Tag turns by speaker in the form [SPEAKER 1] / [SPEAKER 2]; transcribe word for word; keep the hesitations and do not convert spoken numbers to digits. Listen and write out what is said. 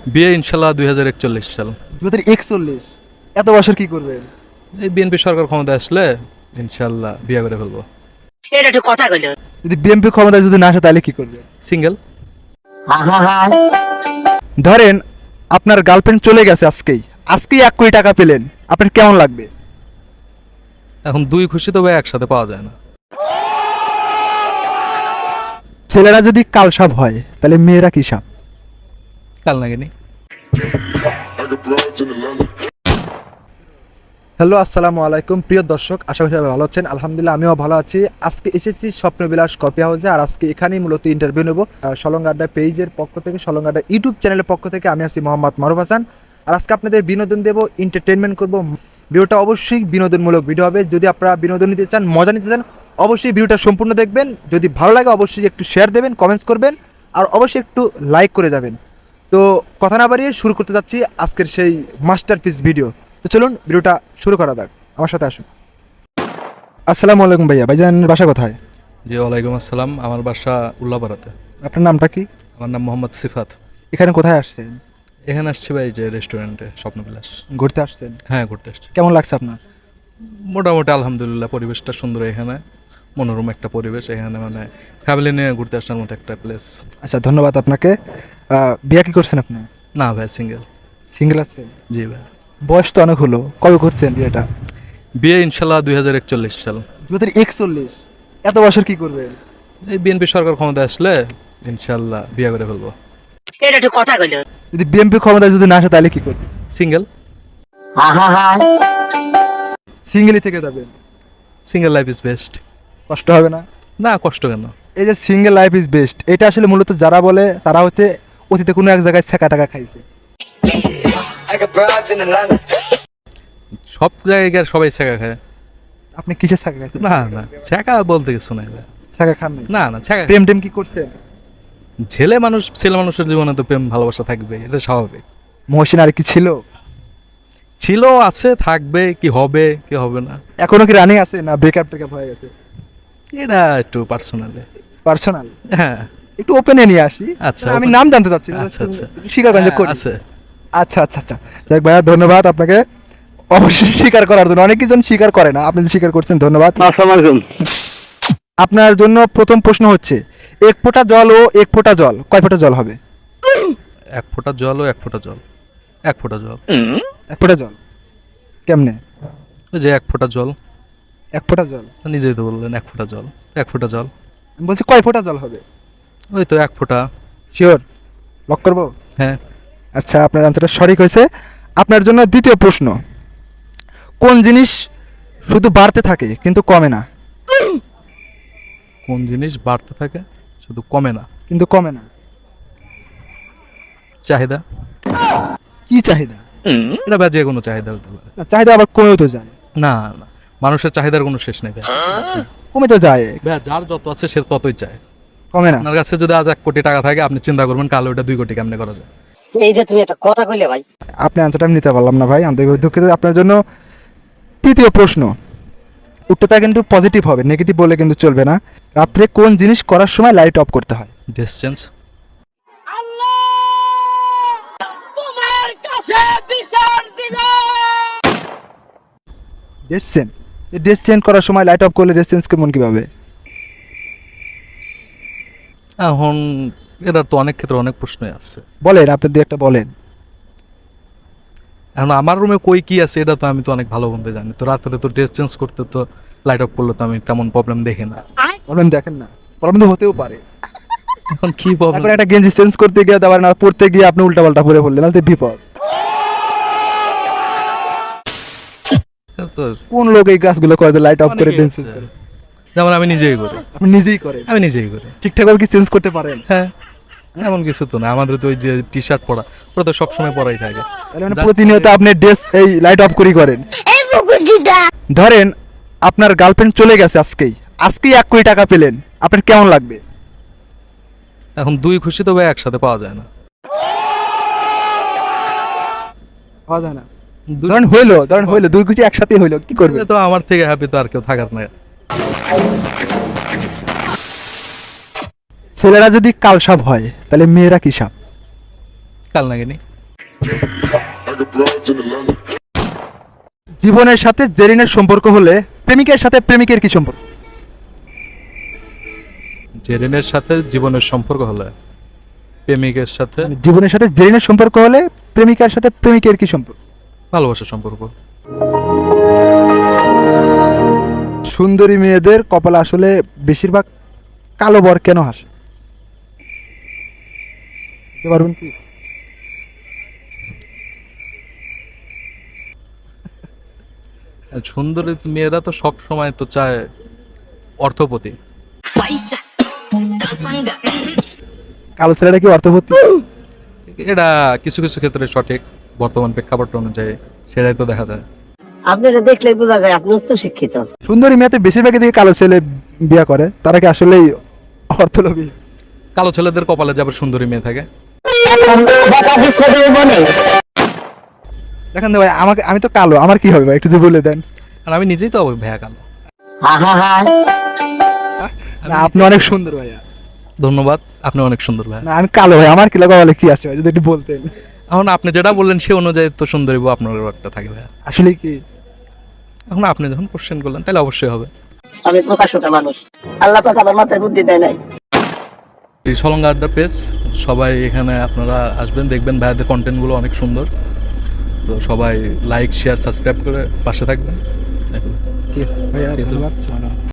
[SPEAKER 1] বিয়ে ইনশাল্লাহ দুই হাজার একচল্লিশ সাল।
[SPEAKER 2] দুই হাজার একচল্লিশ এত বছর কি করবেন?
[SPEAKER 1] এই বিএনপি সরকার ক্ষমতায় আসলে ইনশাল্লাহ বিয়ে করে ফেলবো।
[SPEAKER 3] এটা একটু কথা কইল।
[SPEAKER 2] যদি বিএনপি ক্ষমতায় যদি না আসে তাহলে কি করবেন?
[SPEAKER 1] সিঙ্গেল।
[SPEAKER 2] ধরেন আপনার গার্লফ্রেন্ড চলে গেছে আজকেই, আজকেই এক কোটি টাকা পেলেন, আপনার কেমন লাগবে?
[SPEAKER 1] এখন দুই খুশি তো ভাই একসাথে পাওয়া যায় না।
[SPEAKER 2] ছেলেরা যদি কাল সাপ হয় তাহলে মেয়েরা কি সাপ?
[SPEAKER 1] কাল নাগিনি।
[SPEAKER 2] হ্যালো, আসসালামু আলাইকুম প্রিয় দর্শক, আশা করি সবাই ভালো আছেন। আলহামদুলিল্লাহ আমিও ভালো আছি। আজকে এসেছি স্বপ্নবিলাস কফি হাউসে, আর আজকে এখানেই মূলত ইন্টারভিউ নেব সলঙ্গাড্ডা পেজের পক্ষ থেকে, সলঙ্গাড্ডা ইউটিউব চ্যানেলের পক্ষ থেকে। আমি আছি মোহাম্মদ মারুফ হাসান, আর আজকে আপনাদের বিনোদন দেব, এন্টারটেনমেন্ট করব। ভিডিওটা অবশ্যই বিনোদনমূলক ভিডিও হবে। যদি আপনারা বিনোদন নিতে চান, মজা নিতে চান, অবশ্যই ভিডিওটা সম্পূর্ণ দেখবেন। যদি ভালো লাগে অবশ্যই একটু শেয়ার দেবেন, কমেন্টস করবেন, আর অবশ্যই একটু লাইক করে যাবেন। তো কথা না বাড়িয়ে শুরু করতে যাচ্ছি আজকের সেই মাস্টারপিস ভিডিও। তো চলুন ভিডিওটা শুরু করা যাক, আমার সাথে আসুন। আসসালামু আলাইকুম ভাইয়া, ভাইজানের বাসা কোথায়?
[SPEAKER 1] জি ওয়ালাইকুম আসসালাম, আমার বাসা উল্লাপাড়াতে।
[SPEAKER 2] আপনার নামটা কি?
[SPEAKER 1] আমার নাম মোহাম্মদ সিফাত।
[SPEAKER 2] এখানে কোথায় আসছেন?
[SPEAKER 1] এখানে আসছি ভাই যে রেস্টুরেন্টে স্বপ্নবিলাস।
[SPEAKER 2] ঘুরতে আসছেন?
[SPEAKER 1] হ্যাঁ ঘুরতে আসছি।
[SPEAKER 2] কেমন লাগছে আপনার?
[SPEAKER 1] মোটামুটি আলহামদুলিল্লাহ, পরিবেশটা সুন্দর এখানে, মনোরম একটা পরিবেশ এখানে, মানে ফ্যামিলি নিয়ে ঘুরতে আসার মতো একটা প্লেস।
[SPEAKER 2] আচ্ছা, ধন্যবাদ আপনাকে। আহ, বিয়ে কি করছেন আপনি?
[SPEAKER 1] না ভাই সিঙ্গেল।
[SPEAKER 2] সিঙ্গেল আছেন?
[SPEAKER 1] জি ভাই।
[SPEAKER 2] বয়স তো অনেক হলো, কবে করছেন বিয়েটা?
[SPEAKER 1] বিয়ে ইনশাল্লাহ দুই হাজার একচল্লিশ সাল।
[SPEAKER 2] দু হাজার একচল্লিশ এত বছর কি করবেন?
[SPEAKER 1] এই বিএনপি সরকার ক্ষমতায় আসলে ইনশাল্লাহ বিয়ে করে ফেলবো।
[SPEAKER 3] এটা একটু কথা কইল।
[SPEAKER 2] যদি বিএনপি ক্ষমতায় যদি না আসে তাহলে কি করবেন?
[SPEAKER 1] সিঙ্গেল।
[SPEAKER 2] সিঙ্গেলই থেকে যাবেন?
[SPEAKER 1] Single life is best.
[SPEAKER 2] কষ্ট হবে না?
[SPEAKER 1] না, কষ্ট কেন?
[SPEAKER 2] এই যে সিঙ্গেল লাইফ ইজ বেস্ট, এটা আসলে মূলত যারা বলে তারা হচ্ছে অতীতে কোনো এক জায়গায় ছেঁকা টাকা খাইছে।
[SPEAKER 1] সব জায়গায় সবাই ছেঁকা খায়।
[SPEAKER 2] আপনি কিসের ছেঁকা খাইছেন?
[SPEAKER 1] না না, ছেঁকা বলতে কিছু নাই ভাই।
[SPEAKER 2] ছেঁকা খান নাই?
[SPEAKER 1] না না, ছেঁকা।
[SPEAKER 2] প্রেম টেম কি করছেন?
[SPEAKER 1] ছেলে মানুষ, ছেলে মানুষের জীবনে তো প্রেম ভালোবাসা থাকবে, এটা স্বাভাবিক।
[SPEAKER 2] মহসিন আর কি ছিল?
[SPEAKER 1] ছিল, আছে, থাকবে, কি হবে কি হবে না
[SPEAKER 2] এখনো কি রানিং আছে না ব্রেকআপ টেকআপ হয়ে গেছে?
[SPEAKER 1] এটা একটু পার্সোনালি।
[SPEAKER 2] পার্সোনাল?
[SPEAKER 1] হ্যাঁ
[SPEAKER 2] একটু ওপেনে নিয়ে আসি।
[SPEAKER 1] আচ্ছা,
[SPEAKER 2] আমি
[SPEAKER 1] open-
[SPEAKER 2] নাম জানতে চাচ্ছি না,
[SPEAKER 1] আচ্ছা আচ্ছা
[SPEAKER 2] স্বীকার করেন যে
[SPEAKER 1] হ্যাঁ,
[SPEAKER 2] করি।
[SPEAKER 1] আছে।
[SPEAKER 2] আচ্ছা আচ্ছা আচ্ছা, যাক ভাইয়া, ধন্যবাদ আপনাকে অবশ্যই স্বীকার করার জন্য। অনেকজন স্বীকার করে না, আপনি যে স্বীকার করছেন ধন্যবাদ। আপনার জন্য প্রথম প্রশ্ন হচ্ছে, এক ফোঁটা জল ও এক ফোঁটা জল কয় ফোঁটা জল হবে?
[SPEAKER 1] এক ফোঁটা জল ও এক ফোঁটা জল। এক ফোঁটা জল।
[SPEAKER 2] এক ফোঁটা জল কেমনে?
[SPEAKER 1] ওই যে এক ফোঁটা জল।
[SPEAKER 2] এক ফোঁটা জল?
[SPEAKER 1] নিজেই তো বললেন এক ফোঁটা জল। এক ফোঁটা জল।
[SPEAKER 2] আমি বলছি কয় ফোঁটা জল হবে?
[SPEAKER 1] ওই তো এক ফোঁটা।
[SPEAKER 2] শিওর? লক করবো?
[SPEAKER 1] হ্যাঁ।
[SPEAKER 2] আচ্ছা, আপনার আনসারটা সঠিক হয়েছে। আপনার জন্য দ্বিতীয় প্রশ্ন, কোন জিনিস শুধু বাড়তে থাকে কিন্তু কমে না?
[SPEAKER 1] কোন জিনিস বাড়তে থাকে শুধু কমে না?
[SPEAKER 2] কিন্তু কমে না?
[SPEAKER 1] চাহিদা।
[SPEAKER 2] কি চাহিদা?
[SPEAKER 1] এটা ভাই যে কোনো চাহিদা হতে পারে।
[SPEAKER 2] না, চাহিদা আবার কমেও তো যায়।
[SPEAKER 1] না না, মানুষের চাহিদার কোনো শেষ নেই ভাই।
[SPEAKER 2] কমে তো যায়।
[SPEAKER 1] ভাই যার যত আছে সে ততই চায়।
[SPEAKER 2] কমে না?
[SPEAKER 1] আপনার কাছে যদি আজ এক কোটি টাকা থাকে, আপনি চিন্তা করবেন কাল ওটা দুই কোটি কেমনে করা যায়।
[SPEAKER 3] এই যে তুমি একটা কথা কইলে ভাই।
[SPEAKER 2] আপনি আনসারটা আমি নিতে পারলাম না ভাই, আন্তরিকভাবে দুঃখিত। আপনার জন্য তৃতীয় প্রশ্ন, উত্তরটা কিন্তু পজিটিভ হবে, নেগেটিভ বলে কিন্তু চলবে না। রাত্রে কোন জিনিস করার সময় লাইট অফ করতে হয়?
[SPEAKER 1] ডিসটেন্স।
[SPEAKER 3] তোমার কাছে বিচার দিলাম।
[SPEAKER 2] Date change? ডেট চেঞ্জ করার সময় লাইট অফ করলে ডেট চেঞ্জ কেমন কীভাবে?
[SPEAKER 1] এখন এটার তো অনেক ক্ষেত্রে অনেক প্রশ্নই আছে।
[SPEAKER 2] বলেন, আপনি দু একটা বলেন।
[SPEAKER 1] এখন আমার রুমে কই কি আছে এটা তো আমি তো অনেক ভালো মন্দ জানি, তো রাত্রে তো ড্রেস চেঞ্জ করতে তো লাইট অফ করলে তো আমি তেমন প্রবলেম দেখি না।
[SPEAKER 2] প্রবলেম দেখেন না? প্রবলেম তো হতেও পারে।
[SPEAKER 1] এখন কি প্রবলেম?
[SPEAKER 2] এখন একটা গেঞ্জি চেঞ্জ করতে গিয়ে দেওয়ার না, পড়তে গিয়ে আপনি উল্টাপাল্টা পরে ফেললেন, তাহলে তো বিপদ।
[SPEAKER 1] তো
[SPEAKER 2] কোন লোক এই কাজগুলো করে, লাইট অফ করে
[SPEAKER 1] অনেকেই
[SPEAKER 2] ডেট
[SPEAKER 1] আছে।
[SPEAKER 2] চেঞ্জ করে?
[SPEAKER 1] যেমন আমি নিজেই করি।
[SPEAKER 2] আপনি নিজেই করেন?
[SPEAKER 1] আমি নিজেই করি।
[SPEAKER 2] ঠিকঠাকভাবে কি চেঞ্জ করতে পারেন?
[SPEAKER 1] হ্যাঁ, এমন কিছু তো না, আমাদের তো ওই যে টি শার্ট পরা ওটা তো সবসময় পরাই থাকে।
[SPEAKER 2] তাহলে মানে প্রতিনিয়ত আপনি ড্রেস এই লাইট অফ করেই করেন? ধরেন আপনার গার্লফ্রেন্ড চলে গেছে আজকেই, আজকেই এক কোটি টাকা পেলেন, আপনার কেমন লাগবে?
[SPEAKER 1] এখন দুই খুশি তো ভাই একসাথে পাওয়া যায় না।
[SPEAKER 2] পাওয়া যায় না?
[SPEAKER 1] দুই-
[SPEAKER 2] ধরেন হইলো, ধরেন হইলো, দুই কিছু একসাথে হইলো, কি করবে?
[SPEAKER 1] তো আমার থেকে হ্যাপি তো আর কেউ থাকার না।
[SPEAKER 2] ছেলেরা যদি কাল সাপ হয় তাহলে মেয়েরা কি সাপ?
[SPEAKER 1] কাল নাগিনি।
[SPEAKER 2] জীবনের সাথে জেরিনের সম্পর্ক হলে প্রেমিকের সাথে প্রেমিকের কি সম্পর্ক?
[SPEAKER 1] জেরিনের সাথে জীবনের সম্পর্ক হলে প্রেমিকের সাথে
[SPEAKER 2] মানে জীবনের সাথে জেরিনের সম্পর্ক হলে প্রেমিকার সাথে প্রেমিকের কি সম্পর্ক?
[SPEAKER 1] ভালোবাসার সম্পর্ক।
[SPEAKER 2] সুন্দরী মেয়েদের কপালে আসলে বেশিরভাগ কালো বর কেন হাসে? বলতে পারবেন কি?
[SPEAKER 1] আর সুন্দরী মেয়েরা তো সব সময় তো চায় অর্থপতি।
[SPEAKER 2] কালো ছেলেটা কি অর্থবতী?
[SPEAKER 1] এটা কিছু কিছু ক্ষেত্রে সঠিক, বর্তমান প্রেক্ষাপট অনুযায়ী সেটাই তো দেখা যায়।
[SPEAKER 3] আপনারা দেখলেই বোঝা যায় আপনি উচ্চ শিক্ষিত।
[SPEAKER 2] সুন্দরী মেয়েতে বেশিরভাগই দিকে কালো ছেলে বিয়ে করে, তারা কি আসলেই অর্থলোভী?
[SPEAKER 1] কালো ছেলেদের কপালে যাবে সুন্দরী মেয়ে থাকে।
[SPEAKER 2] দেখেন তো ভাই, আমাকে আমি তো কালো, আমার কি হবে ভাই একটু যদি বলে দেন।
[SPEAKER 1] আর আমি নিজেই তো ভ্যা কালো।
[SPEAKER 2] না, আপনি অনেক সুন্দর ভাইয়া।
[SPEAKER 1] ধন্যবাদ, আপনি অনেক সুন্দর ভাই।
[SPEAKER 2] না, আমি কালো ভাই, আমার কি লাগা বলে কি আছে ভাই যদি একটু বলতেন।
[SPEAKER 1] এখন আপনি যেটা বললেন সে অনুযায়ী তো সুন্দরী বউ আপনারও একটা থাকে ভাইয়া।
[SPEAKER 2] আসলে কি
[SPEAKER 1] এখন আপনি যখন কোশ্চেন করলেন তাহলে অবশ্যই হবে।
[SPEAKER 3] আমি প্রকাশটা মানুষ, আল্লাহ পাক আমার মাথায় বুদ্ধি দেয় নাই।
[SPEAKER 1] এই সলঙ্গা আড্ডা পেজ, সবাই এখানে আপনারা আসবেন, দেখবেন ভাইয়াদের কন্টেন্টগুলো অনেক সুন্দর। তো সবাই লাইক শেয়ার সাবস্ক্রাইব করে পাশে থাকবেন।
[SPEAKER 2] ঠিক আছে ভাইয়া,
[SPEAKER 1] ঠিক আছে।
[SPEAKER 2] ধন্যবাদ।